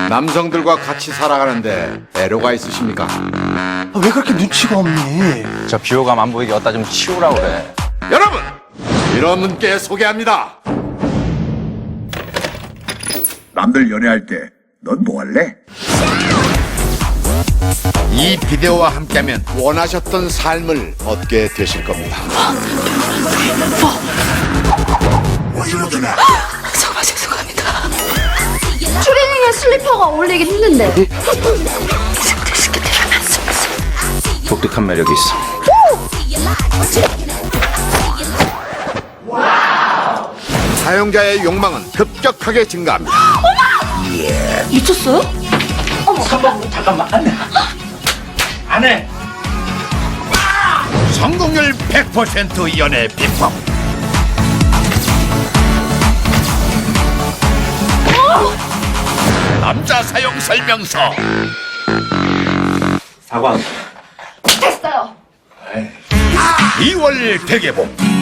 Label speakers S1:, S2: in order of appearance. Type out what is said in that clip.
S1: 남성들과 같이 살아가는데 애로가 있으십니까?
S2: 왜 그렇게 눈치가 없니?
S3: 저 비호감 안 보이게 어디다 좀 치우라고 그래.
S1: 여러분! 이런 분께 소개합니다.
S4: 남들 연애할 때 넌 뭐 할래?
S1: 이 비디오와 함께하면 원하셨던 삶을 얻게 되실 겁니다.
S5: 정말 죄송합니다. 추리닝에 슬리퍼가 어울리긴 했는데.
S3: 독특한 매력이 있어.
S1: 사용자의 욕망은 급격하게 증가합니다.
S5: 미쳤어요?
S1: 성공률 100% 연애 비법. 남자 사용 설명서.
S5: 됐어요.
S1: 2월 대개봉.